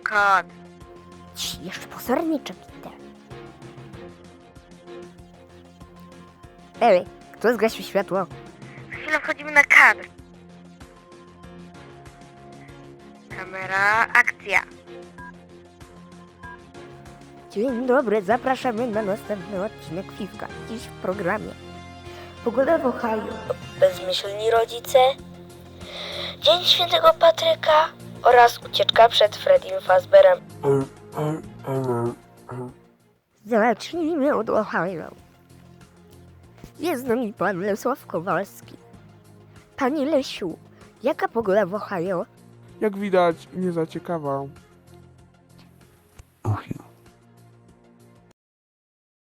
kod. Jeszcze pozorniczek idę. Ej, kto zgasił światło? Za chwilę wchodzimy na kadr. Kamera, akcja. Dzień dobry, zapraszamy na następny odcinek Fifka. Dziś w programie pogoda w Ohio, bezmyślni rodzice, Dzień Świętego Patryka oraz ucieczka przed Freddym Fazbearem. Zacznijmy od Ohio. Jest z nami pan Lesław Kowalski. Panie Lesiu, jaka pogoda w Ohio? Jak widać, nie za ciekawa.